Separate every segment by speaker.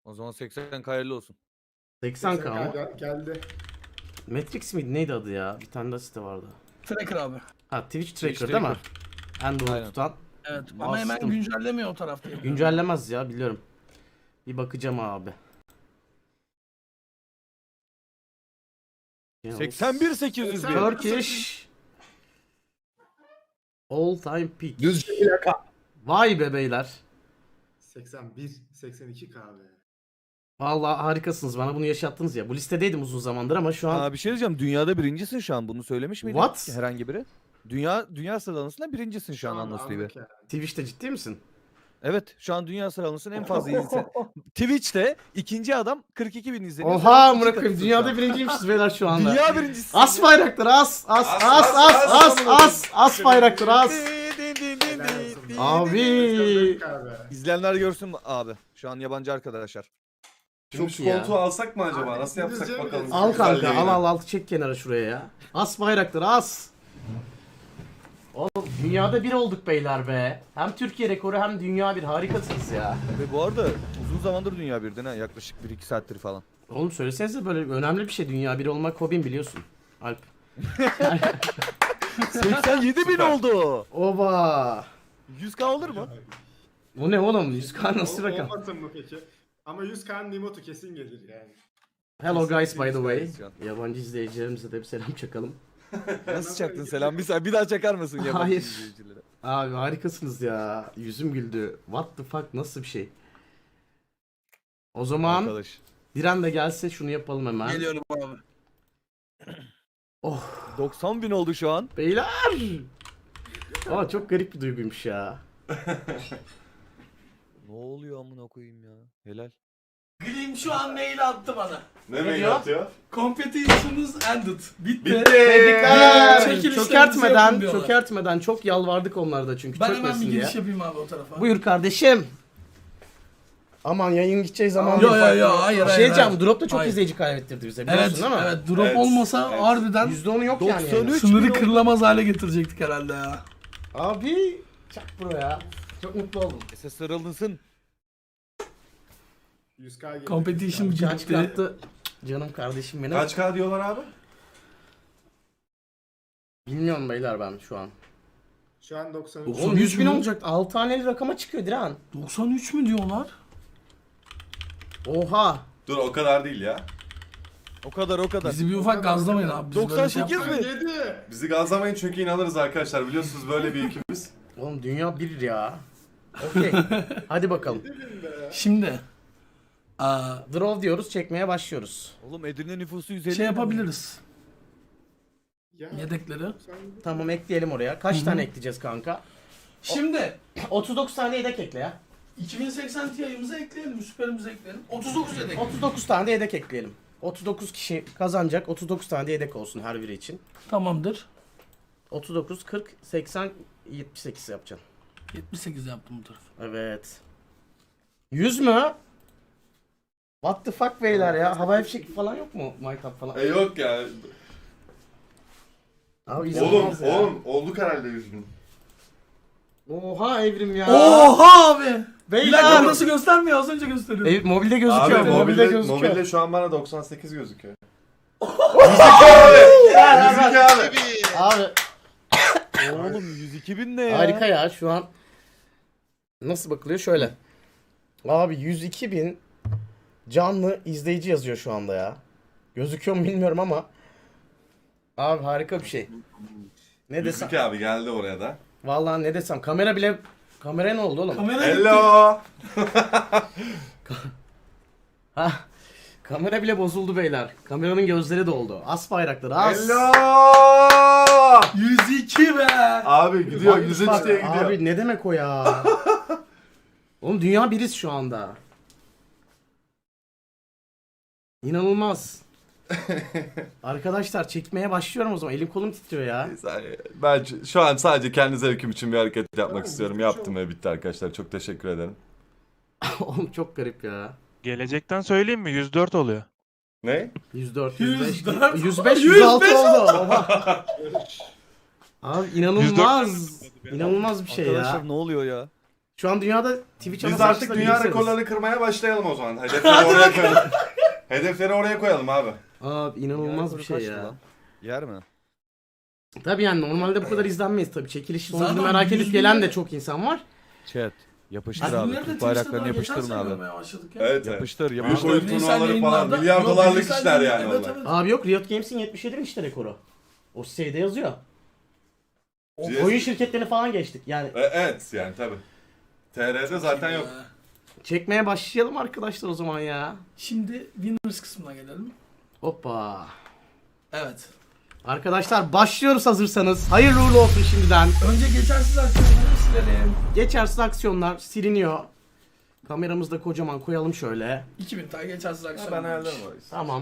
Speaker 1: O zaman 80 hayırlı olsun.
Speaker 2: 80K mı?
Speaker 3: Geldi.
Speaker 2: Matrix miydi? Neydi adı ya? Bir tane daha site vardı.
Speaker 4: Tracker abi.
Speaker 2: Ha Twitch Tracker
Speaker 1: Twitch
Speaker 2: değil mi?
Speaker 1: Tracker.
Speaker 2: Android
Speaker 1: Aynen.
Speaker 2: tutan.
Speaker 4: Evet ama hemen
Speaker 2: Bastım.
Speaker 4: güncellemiyor o tarafta.
Speaker 2: Güncellemez ya biliyorum. Bir bakacağım abi.
Speaker 1: 81.801.
Speaker 2: Turkish All Time Peak.
Speaker 3: Düzce plaka.
Speaker 2: Vay be beyler.
Speaker 3: 81, 82 kahve.
Speaker 2: Vallahi harikasınız. Bana bunu yaşattınız ya. Bu listedeydim uzun zamandır ama şu an
Speaker 1: Bir şey diyeceğim. Dünyada birincisin şu an. Bunu söylemiş miydin?
Speaker 2: What?
Speaker 1: Herhangi biri. Dünya sıralamasında birincisin şu an Anlos TV.
Speaker 2: Twitch'te ciddi misin?
Speaker 1: Evet, şu an dünya sıralamasının en fazla izlenen. Twitch'te ikinci adam 42.000 izleniyor.
Speaker 2: Oha
Speaker 1: Sen
Speaker 2: amına
Speaker 1: ikinci
Speaker 2: koyayım.
Speaker 1: takımsın
Speaker 2: Dünyada
Speaker 1: şu an.
Speaker 2: birinciymişiz beyler şu anda.
Speaker 1: Dünya birincisi.
Speaker 2: As bayrakları as as as as as as as bayrakları as. Abi.
Speaker 1: İzleyenler görsün abi. Şu an yabancı arkadaşlar.
Speaker 5: Şimdi
Speaker 2: Çok
Speaker 5: şu
Speaker 2: iyi ya.
Speaker 5: koltuğu alsak mı acaba?
Speaker 3: Abi,
Speaker 5: Nasıl yapsak
Speaker 3: İngilizce mi
Speaker 5: bakalım.
Speaker 3: diyorsun?
Speaker 2: Al kanka
Speaker 5: Güzelliğini.
Speaker 2: al çek kenara şuraya ya. As bayrakları as. Oğlum dünyada bir olduk beyler be. Hem Türkiye rekoru hem dünya bir harikasınız ya.
Speaker 1: Ve bu arada uzun zamandır dünya birden ha. Yaklaşık 1-2 saattir falan.
Speaker 2: Oğlum söylesenize böyle önemli bir şey dünya bir olmak hobim biliyorsun. Alp.
Speaker 1: 87.000 oldu.
Speaker 2: Oba.
Speaker 1: 100k olur mu?
Speaker 2: Bu ne oğlum? 100K nasıl rakam?
Speaker 3: Olmasın mı peki? Ama 100K'nın Nimotu kesin gelir yani.
Speaker 2: Hello guys by the way.
Speaker 1: Kesinlikle.
Speaker 2: Yabancı izleyicilerimize de bir selam çakalım.
Speaker 1: Nasıl çaktın selam? Bir daha çakar mısın yabancı
Speaker 2: Hayır.
Speaker 1: izleyicilere?
Speaker 2: Abi harikasınız ya. Yüzüm güldü. What the fuck nasıl bir şey? O zaman
Speaker 1: Arkadaş.
Speaker 2: bir anda gelse şunu yapalım hemen.
Speaker 4: Geliyorum abi.
Speaker 2: Oh
Speaker 1: 90.000 oldu şu an.
Speaker 2: beyler. Aa çok garip bir duyguymuş ya.
Speaker 1: Ne oluyor amına koyayım ya? Helal.
Speaker 4: Glim şu an mail attı bana.
Speaker 5: Ne
Speaker 2: diyor?
Speaker 5: mail atıyor?
Speaker 4: Competition'ız ended. Bitti.
Speaker 2: Tebrikler.
Speaker 4: Çekilişlerinizi
Speaker 2: Çökertmeden,
Speaker 4: yapın diyorlar.
Speaker 2: çökertmeden çok yalvardık onlarda çünkü
Speaker 4: Ben hemen
Speaker 2: çökmesin
Speaker 4: bir
Speaker 2: diye.
Speaker 4: giriş yapayım abi o tarafa.
Speaker 2: Buyur kardeşim. Aman yayın gideceği zaman
Speaker 4: Yo hayır
Speaker 2: Bir şey
Speaker 4: hayır.
Speaker 2: diyeceğim. Drop da çok
Speaker 4: Hayır.
Speaker 2: izleyici kaybettirdi bize biliyorsun
Speaker 4: Evet
Speaker 2: değil mi?
Speaker 4: evet drop
Speaker 5: Evet,
Speaker 4: olmasa
Speaker 5: evet.
Speaker 4: harbiden
Speaker 2: %10'u yok yani.
Speaker 1: 93.
Speaker 2: yayının.
Speaker 4: sınırı kırılamaz hale getirecektik herhalde ya.
Speaker 2: Abi çak bro ya. Çok mutlu oldum.
Speaker 1: Ses sarılınsın.
Speaker 3: 100K gelir.
Speaker 4: Competition
Speaker 2: Bıçağı
Speaker 4: bitti.
Speaker 2: çıkarttı. Canım kardeşim benim.
Speaker 5: Kaç K diyorlar abi?
Speaker 2: Bilmiyorum beyler ben şu an.
Speaker 3: Şu an 93.
Speaker 4: Oğlum,
Speaker 2: Oğlum 100 bin
Speaker 4: mü?
Speaker 2: olacak. 6 taneli rakama çıkıyor Diren.
Speaker 4: 93 mü diyorlar?
Speaker 2: Oha.
Speaker 5: Dur o kadar değil ya.
Speaker 1: O kadar.
Speaker 4: Bizi bir ufak gazlamayın abi. Biz böyle şey
Speaker 1: 98
Speaker 4: yapmayız.
Speaker 1: mi?
Speaker 3: 97.
Speaker 5: Bizi gazlamayın çünkü inanırız arkadaşlar. Biliyorsunuz böyle bir ekibimiz.
Speaker 2: Oğlum dünya bir ya. Okey. Hadi bakalım.
Speaker 4: Şimdi
Speaker 2: Draw diyoruz çekmeye başlıyoruz.
Speaker 1: Oğlum Edirne nüfusu 150.
Speaker 4: şey yapabiliriz.
Speaker 3: Ya,
Speaker 4: Yedekleri.
Speaker 2: Tamam ekleyelim oraya. Kaç tane ekleyeceğiz kanka?
Speaker 4: Şimdi
Speaker 2: 39 tane yedek ekle ya.
Speaker 4: 2080 Ti'mizi ekleyelim, süperimizi ekleyelim. 39 yedek.
Speaker 2: 39 tane de yedek ekleyelim. 39 kişi kazanacak. 39 tane de yedek olsun her biri için.
Speaker 4: Tamamdır.
Speaker 2: 39, 40, 80, 78 yapacaksın.
Speaker 4: 78 yaptım bu tarafı.
Speaker 2: Evet. 100 mü? What the fuck beyler ya? Havai fişek falan yok mu? Minecraft falan.
Speaker 5: Yok ya.
Speaker 2: Abi inanılmaz ya.
Speaker 5: olduk herhalde 100 bin.
Speaker 2: Oha Evrim ya.
Speaker 4: Oha abi! Bir dakika
Speaker 2: Beyler.
Speaker 4: burası göstermiyor, az önce gösteriyor.
Speaker 2: Mobilde gözüküyor.
Speaker 5: Abi
Speaker 2: mobilde gözüküyor.
Speaker 5: mobilde şu an bana 98 gözüküyor.
Speaker 2: Ver, ver, ver.
Speaker 5: abi.
Speaker 2: Abi
Speaker 1: Oğlum 102.000 ne ya?
Speaker 2: harika ya şu an. Nasıl bakılıyor şöyle. Abi 102 bin canlı izleyici yazıyor şu anda ya. Gözüküyor mu bilmiyorum ama. Abi harika bir şey. Ne desem?
Speaker 5: 102 abi geldi oraya da.
Speaker 2: Vallahi ne desem kamera ne oldu oğlum?
Speaker 4: Kamera gitti.
Speaker 5: Hello.
Speaker 2: Ha, kamera bile bozuldu beyler. Kameranın gözleri doldu. As bayrakları as.
Speaker 5: Hello.
Speaker 4: 102 be!
Speaker 5: Abi gidiyor
Speaker 2: Bak,
Speaker 5: 103
Speaker 2: bak,
Speaker 5: diye gidiyor.
Speaker 2: Abi ne demek o ya? Oğlum dünya biriz şu anda. İnanılmaz. Arkadaşlar çekmeye başlıyorum o zaman. Elim kolum titriyor ya.
Speaker 5: Ben şu an sadece kendi zevkim için bir hareket yapmak
Speaker 3: Tamam,
Speaker 5: istiyorum.
Speaker 3: bitmiş
Speaker 5: Yaptım ve bitti arkadaşlar. Çok teşekkür ederim.
Speaker 2: Oğlum çok garip ya.
Speaker 6: Gelecekten söyleyeyim mi? 104 oluyor.
Speaker 5: Ne?
Speaker 2: 104, 105,
Speaker 4: 104,
Speaker 2: 105,
Speaker 4: 105
Speaker 2: 106 oldu. Oha. Abi inanılmaz.
Speaker 6: 104
Speaker 2: İnanılmaz bir şey
Speaker 1: Arkadaşlar
Speaker 2: ya.
Speaker 1: ne oluyor ya?
Speaker 2: Şu an dünyada Twitch ana
Speaker 5: Biz artık
Speaker 2: sayfasında
Speaker 5: dünya
Speaker 2: bilgisayarız.
Speaker 5: rekorlarını kırmaya başlayalım o zaman. Hedefleri oraya koyalım. Hedefleri oraya koyalım abi.
Speaker 2: Abi inanılmaz
Speaker 1: Yarın
Speaker 2: bir şey
Speaker 1: kaçtı
Speaker 2: ya.
Speaker 1: lan? Yer mi?
Speaker 2: Tabii yani normalde bu kadar izlenmeyiz tabii. Çekiliş sonucunu
Speaker 4: Zaten
Speaker 2: merak edip
Speaker 4: 100
Speaker 2: gelen de
Speaker 4: milyon-
Speaker 2: çok insan var.
Speaker 1: Chat. Yapıştır
Speaker 4: Biz
Speaker 1: abi.
Speaker 4: bunları da
Speaker 1: Türk
Speaker 4: Twitch'te
Speaker 1: bayraklarını
Speaker 4: daha geçen
Speaker 1: yapıştırın
Speaker 4: sene
Speaker 1: abi.
Speaker 4: görmeye başladık ya.
Speaker 5: Evet.
Speaker 1: Yapıştır
Speaker 5: Büyük
Speaker 1: yapıştır.
Speaker 5: oyun
Speaker 4: Bireysel
Speaker 5: turnuvaları falan.
Speaker 4: yayınlarda-
Speaker 5: Milyar
Speaker 4: Yok,
Speaker 5: dolarlık
Speaker 4: bireysel
Speaker 5: işler
Speaker 4: yayın-
Speaker 5: yani
Speaker 4: evet,
Speaker 5: onlar.
Speaker 4: evet.
Speaker 2: Abi yok Riot Games'in 77 işte rekoru. O şeyde yazıyor. O
Speaker 5: GS
Speaker 2: oyun şirketlerini falan geçtik. Yani
Speaker 5: Evet yani tabi. TR'de zaten yok.
Speaker 2: çekmeye başlayalım arkadaşlar o zaman ya.
Speaker 4: Şimdi Winners kısmına gelelim.
Speaker 2: Hoppa.
Speaker 4: Evet.
Speaker 2: Arkadaşlar başlıyoruz hazırsanız. Hayırlı uğurlu olsun şimdiden.
Speaker 4: Önce geçersiz aksiyonları silelim.
Speaker 2: Geçersiz aksiyonlar siliniyor. Kameramızı da kocaman koyalım şöyle.
Speaker 4: 2000 tane geçersiz
Speaker 5: Ha,
Speaker 4: aksiyon.
Speaker 5: ben ayarlarım orayı.
Speaker 2: Tamam.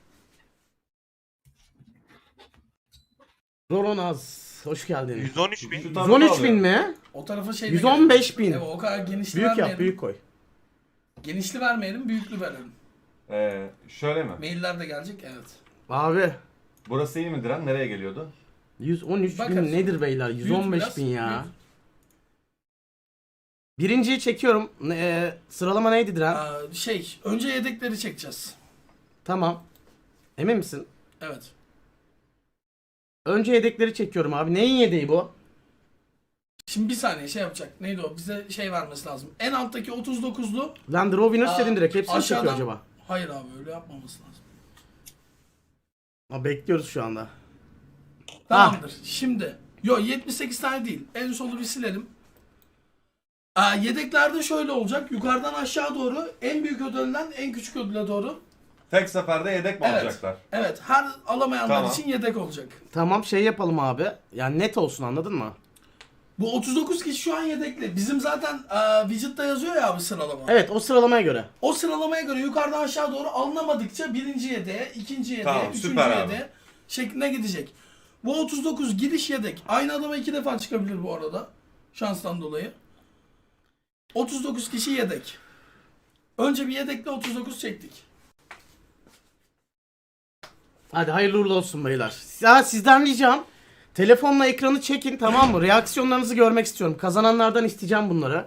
Speaker 2: Roronaz. Hoş geldin.
Speaker 6: 113 bin.
Speaker 2: 113 bin mi?
Speaker 4: O tarafa şey
Speaker 2: 115 bin.
Speaker 4: Evet, o kadar genişli
Speaker 2: Büyük
Speaker 4: vermeyelim.
Speaker 2: yap, büyük koy.
Speaker 4: Genişli vermeyelim, büyüklü verelim.
Speaker 5: Şöyle mi?
Speaker 4: Mailler de gelecek, evet.
Speaker 2: Abi
Speaker 5: Burası iyi midir lan? Nereye geliyordu?
Speaker 2: 113
Speaker 4: Bakarız.
Speaker 2: bin nedir beyler? 115
Speaker 4: biraz,
Speaker 2: bin ya.
Speaker 4: büyük.
Speaker 2: Birinciyi çekiyorum. Sıralama neydi Diren?
Speaker 4: Önce yedekleri çekeceğiz.
Speaker 2: Tamam. Emin misin?
Speaker 4: Evet.
Speaker 2: Önce yedekleri çekiyorum abi. Neyin yedeği bu?
Speaker 4: Şimdi bir saniye şey yapacak. Neydi o? Bize şey vermesi lazım. En alttaki 39'lu.
Speaker 2: Lan Draw Winners
Speaker 4: Aa,
Speaker 2: dedin direkt. Hepsini çekiyor
Speaker 4: aşağıdan-
Speaker 2: acaba?
Speaker 4: Hayır abi öyle yapmaması lazım.
Speaker 2: Ha, bekliyoruz şu anda.
Speaker 4: Tamamdır. Şimdi. 78 tane değil. En solu bir silelim. Yedeklerde şöyle olacak. Yukarıdan aşağı doğru en büyük ödülden en küçük ödüle doğru.
Speaker 5: Tek seferde yedek mi
Speaker 4: Evet.
Speaker 5: alacaklar?
Speaker 4: Evet. Her alamayanlar
Speaker 5: Tamam.
Speaker 4: için yedek olacak.
Speaker 2: Tamam şey yapalım abi. Yani net olsun anladın mı?
Speaker 4: Bu 39 kişi şu an yedekli. Bizim zaten widget'ta yazıyor ya abi sıralama.
Speaker 2: Evet o sıralamaya göre.
Speaker 4: O sıralamaya göre yukarıdan aşağı doğru alınamadıkça birinci yedeğe, ikinci yedeğe,
Speaker 5: Tamam,
Speaker 4: üçüncü
Speaker 5: süper abi.
Speaker 4: yedeğe şeklinde gidecek. Bu 39 gidiş yedek. Aynı adama 2 defa çıkabilir bu arada. Şanstan dolayı. 39 kişi yedek. Önce bir yedekle 39 çektik.
Speaker 2: Hadi hayırlı uğurlu olsun beyler. Ya sizden ricam telefonla ekranı çekin tamam mı? Reaksiyonlarınızı görmek istiyorum. Kazananlardan isteyeceğim bunları.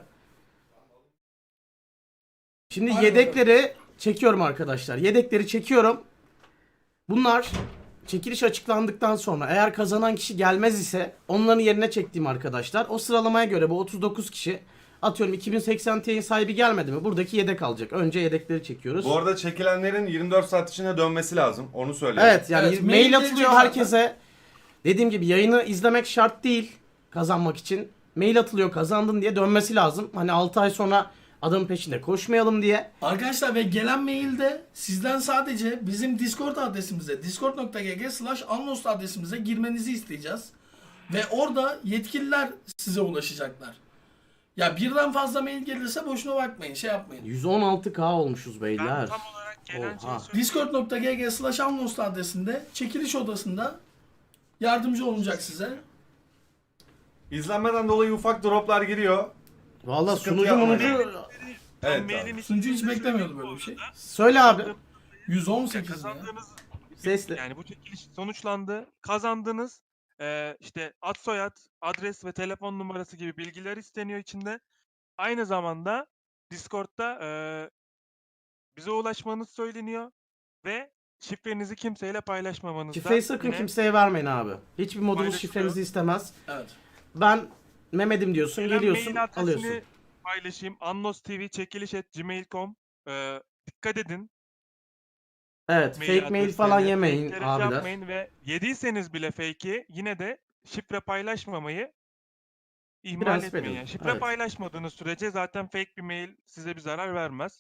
Speaker 2: Şimdi
Speaker 4: Hadi
Speaker 2: yedekleri çekiyorum arkadaşlar. Yedekleri çekiyorum. Bunlar çekiliş açıklandıktan sonra eğer kazanan kişi gelmez ise onların yerine çektiğim arkadaşlar. O sıralamaya göre bu 39 kişi atıyorum 2080 Ti'nin sahibi gelmedi mi? Buradaki yedek alacak. Önce yedekleri çekiyoruz.
Speaker 5: Bu arada çekilenlerin 24 saat içinde dönmesi lazım. Onu söyleyeyim.
Speaker 2: Evet yani
Speaker 4: Evet,
Speaker 2: mail
Speaker 4: mail
Speaker 2: atılıyor
Speaker 4: gelecek
Speaker 2: herkese. Dediğim gibi yayını izlemek şart değil kazanmak için. Mail atılıyor kazandın diye dönmesi lazım. Hani 6 ay sonra adamın peşinde koşmayalım diye.
Speaker 4: Arkadaşlar ve gelen mailde sizden sadece bizim Discord adresimize discord.gg/anlost adresimize girmenizi isteyeceğiz. Ve orada yetkililer size ulaşacaklar. Ya birden fazla mail gelirse boşuna bakmayın, şey yapmayın.
Speaker 2: 116k olmuşuz
Speaker 6: Ben
Speaker 2: beyler.
Speaker 6: tam olarak gelen
Speaker 2: Oha.
Speaker 6: şeyi söyleyeyim.
Speaker 4: Discord.gg/anlost adresinde çekiliş odasında yardımcı olacak size.
Speaker 5: İzlenmeden dolayı ufak droplar giriyor.
Speaker 2: Valla
Speaker 5: Sıkıntı
Speaker 2: sunucu
Speaker 5: yapma.
Speaker 2: munucu
Speaker 5: Evet
Speaker 6: Mailin
Speaker 5: abi.
Speaker 4: Sunucu hiç
Speaker 6: içinde
Speaker 4: beklemiyordu
Speaker 6: söyleyeyim
Speaker 4: böyle
Speaker 6: bu
Speaker 4: bir şey.
Speaker 6: arada.
Speaker 2: söyle abi.
Speaker 4: 118 ya.
Speaker 6: Kazandığınız
Speaker 2: Sesli.
Speaker 6: yani bu çekiliş sonuçlandı. Kazandınız. İşte ad soyad, adres ve telefon numarası gibi bilgiler isteniyor içinde. Aynı zamanda Discord'da bize ulaşmanız söyleniyor ve şifrenizi kimseyle paylaşmamanız da
Speaker 2: Şifreyi sakın
Speaker 6: yine
Speaker 2: kimseye vermeyin abi. Hiçbir modumuz
Speaker 6: Paylaşılıyor.
Speaker 2: şifrenizi istemez.
Speaker 4: Evet.
Speaker 2: Ben Mehmet'im diyorsun
Speaker 6: gelen
Speaker 2: geliyorsun
Speaker 6: mail adresini
Speaker 2: alıyorsun.
Speaker 6: paylaşayım. anlostv@gmail.com. Dikkat edin.
Speaker 2: Evet
Speaker 6: Mail
Speaker 2: fake mail falan
Speaker 6: adreslerine,
Speaker 2: yemeyin
Speaker 6: fake'lere
Speaker 2: abiler.
Speaker 6: yapmayın ve yediyseniz bile fake'i yine de şifre paylaşmamayı ihmal
Speaker 2: Prensip
Speaker 6: etmeyin.
Speaker 2: edin,
Speaker 6: Yani şifre
Speaker 2: evet.
Speaker 6: paylaşmadığınız sürece zaten fake bir mail size bir zarar vermez.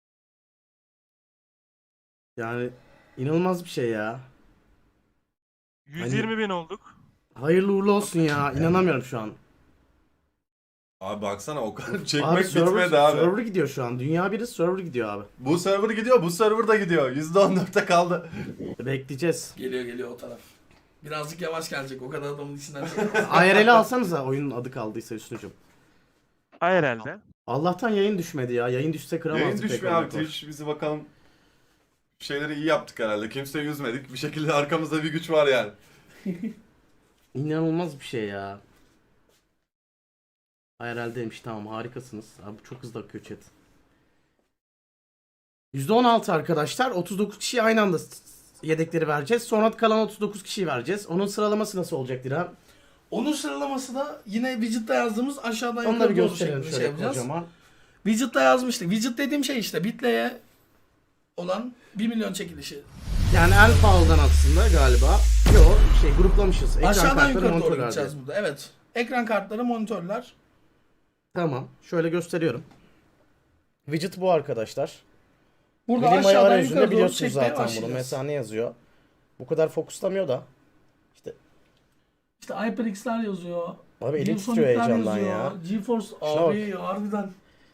Speaker 2: Yani inanılmaz bir şey ya.
Speaker 6: 120.000 olduk.
Speaker 2: Hayırlı uğurlu olsun ya. İnanamıyorum şu an.
Speaker 5: Abi baksana o kadar
Speaker 2: Abi
Speaker 5: çekmek
Speaker 2: server,
Speaker 5: bitmedi abi.
Speaker 2: server gidiyor şu an. Dünya biri server gidiyor abi.
Speaker 5: Bu server gidiyor, bu server da gidiyor. %14'te kaldı.
Speaker 2: Bekleyeceğiz.
Speaker 4: Geliyor o taraf. Birazcık yavaş gelecek o kadar adamın içinden.
Speaker 2: IRL'i alsanıza oyunun adı kaldıysa üstüncüm.
Speaker 6: Herhalde.
Speaker 2: Allah'tan yayın düşmedi ya. Yayın düşse kıramazdık.
Speaker 5: Yayın düşmüyor
Speaker 2: rekor
Speaker 5: abi.
Speaker 2: rekor.
Speaker 5: Twitch bizi bakalım. Şeyleri iyi yaptık herhalde. Kimseyi üzmedik. Bir şekilde arkamızda bir güç var yani.
Speaker 2: İnanılmaz bir şey ya. IRL'deymiş, tamam, harikasınız. Abi çok hızlı akıyor chat. %16 arkadaşlar. 39 kişiye aynı anda yedekleri vereceğiz. Sonra kalan 39 kişiyi vereceğiz. Onun sıralaması nasıl olacak Diren?
Speaker 4: Onun sıralaması da yine widget'ta yazdığımız aşağıdan
Speaker 2: Onu da
Speaker 4: yukarı
Speaker 2: bir
Speaker 4: doğru
Speaker 2: gösterelim
Speaker 4: şeklinde
Speaker 2: şöyle
Speaker 4: şey yapacağız.
Speaker 2: kocaman.
Speaker 4: Widget'ta yazmıştık. Widget dediğim şey işte Bitlay'e olan 1 milyon çekilişi.
Speaker 2: Yani en pahalıdan aslında galiba. Yok gruplamışız. Ekran
Speaker 4: Aşağıdan
Speaker 2: kartları,
Speaker 4: yukarı doğru
Speaker 2: monitörler diye.
Speaker 4: gideceğiz burada. Evet. Ekran kartları, monitörler.
Speaker 2: Tamam. Şöyle gösteriyorum. Widget bu arkadaşlar.
Speaker 4: Burada
Speaker 2: Bilim ayı
Speaker 4: aşağıdan
Speaker 2: arayüzünde
Speaker 4: yukarı doğru
Speaker 2: biliyorsunuz
Speaker 4: çekmeye
Speaker 2: zaten bunu.
Speaker 4: başlayacağız.
Speaker 2: Mesela ne yazıyor? Bu kadar fokuslamıyor da.
Speaker 4: İşte HyperX'ler yazıyor.
Speaker 2: Abi elim
Speaker 4: ViewSonic'ler
Speaker 2: titriyor heyecandan
Speaker 4: yazıyor.
Speaker 2: ya.
Speaker 4: GeForce
Speaker 2: Şuna
Speaker 4: abi harbiden.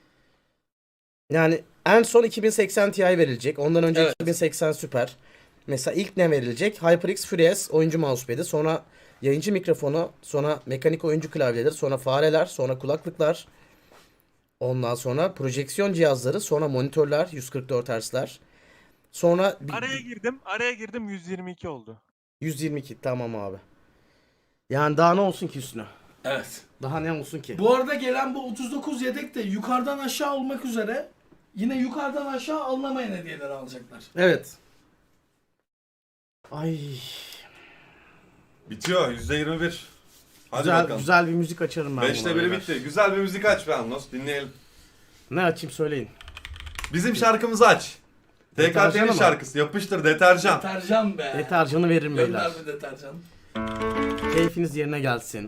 Speaker 2: Yani en son 2080 Ti verilecek. Ondan önce
Speaker 4: Evet.
Speaker 2: 2080 Super. Mesela ilk ne verilecek? HyperX FreeS oyuncu mousepad'i. Sonra yayıncı mikrofonu. Sonra mekanik oyuncu klavyeleri. Sonra fareler. Sonra kulaklıklar. Ondan sonra projeksiyon cihazları. Sonra monitörler. 144 Hz'ler. Sonra
Speaker 6: Araya girdim 122 oldu.
Speaker 2: 122. Tamam abi. Yani daha ne olsun ki üstüne?
Speaker 4: Evet.
Speaker 2: Daha ne olsun ki?
Speaker 4: Bu arada gelen bu 39 yedek de yukarıdan aşağı olmak üzere yine yukarıdan aşağı alınamayan hediyeleri alacaklar.
Speaker 2: Evet. Ay.
Speaker 5: Bitiyor %21. Hadi
Speaker 2: Güzel,
Speaker 5: bakalım.
Speaker 2: güzel bir müzik açarım ben.
Speaker 5: 5'te
Speaker 2: buna
Speaker 5: 1'i
Speaker 2: beyler.
Speaker 5: bitti. Güzel bir müzik aç be Anlos. Dinleyelim.
Speaker 2: Ne açayım söyleyin.
Speaker 5: Bizim şarkımızı aç.
Speaker 2: Deterjan
Speaker 5: TKT'nin
Speaker 2: ama.
Speaker 5: şarkısı. Yapıştır deterjan.
Speaker 4: Deterjan be.
Speaker 2: Deterjanı veririm beyler.
Speaker 4: Gönder bir deterjan.
Speaker 2: Keyfiniz yerine gelsin.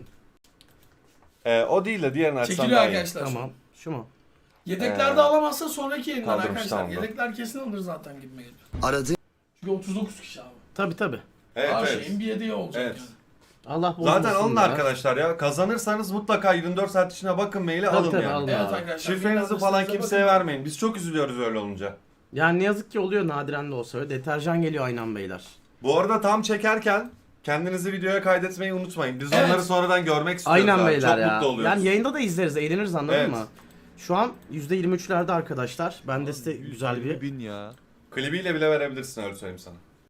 Speaker 5: O değil de diğerini açsam
Speaker 4: Çekiliyor
Speaker 5: daha iyi.
Speaker 4: arkadaşlar.
Speaker 2: Tamam. Şu mu?
Speaker 4: Yedeklerde alamazsa sonraki yayından
Speaker 5: kaldırmış
Speaker 4: arkadaşlar.
Speaker 5: tamam da.
Speaker 4: Yedekler kesin alır zaten gitme geliyor.
Speaker 7: Aradı.
Speaker 4: Çünkü 39 kişi abi.
Speaker 2: Tabi.
Speaker 5: Evet,
Speaker 4: Her
Speaker 5: evet.
Speaker 4: şeyin bir yediği olacak
Speaker 5: Evet.
Speaker 4: yani.
Speaker 2: Allah bozmasın
Speaker 5: Zaten alın
Speaker 2: ya.
Speaker 5: arkadaşlar ya. Kazanırsanız mutlaka 24 saat içine bakın maili
Speaker 2: Tabii,
Speaker 5: alın
Speaker 2: tabii,
Speaker 5: yani.
Speaker 2: alın.
Speaker 4: Evet
Speaker 2: Abi.
Speaker 4: arkadaşlar.
Speaker 5: Şifrenizi
Speaker 4: mail
Speaker 5: falan
Speaker 4: adresinize
Speaker 5: kimseye
Speaker 4: bakın.
Speaker 5: vermeyin. Biz çok üzülüyoruz öyle olunca.
Speaker 2: Yani ne yazık ki oluyor, nadiren de olsa öyle. Deterjan geliyor aynen beyler.
Speaker 5: Bu arada tam çekerken kendinizi videoya kaydetmeyi unutmayın. Biz
Speaker 4: Evet.
Speaker 5: onları sonradan görmek istiyoruz.
Speaker 2: Aynen
Speaker 5: abi.
Speaker 2: beyler
Speaker 5: Çok
Speaker 2: ya.
Speaker 5: mutlu oluyoruz.
Speaker 2: Yani yayında da izleriz, eğleniriz, anladın
Speaker 5: Evet.
Speaker 2: mı? Şu an %23'lerde arkadaşlar. Ben de size güzel bir...
Speaker 1: 1000 ya.
Speaker 5: Klibiyle bile verebilirsin öyle söyleyeyim sana.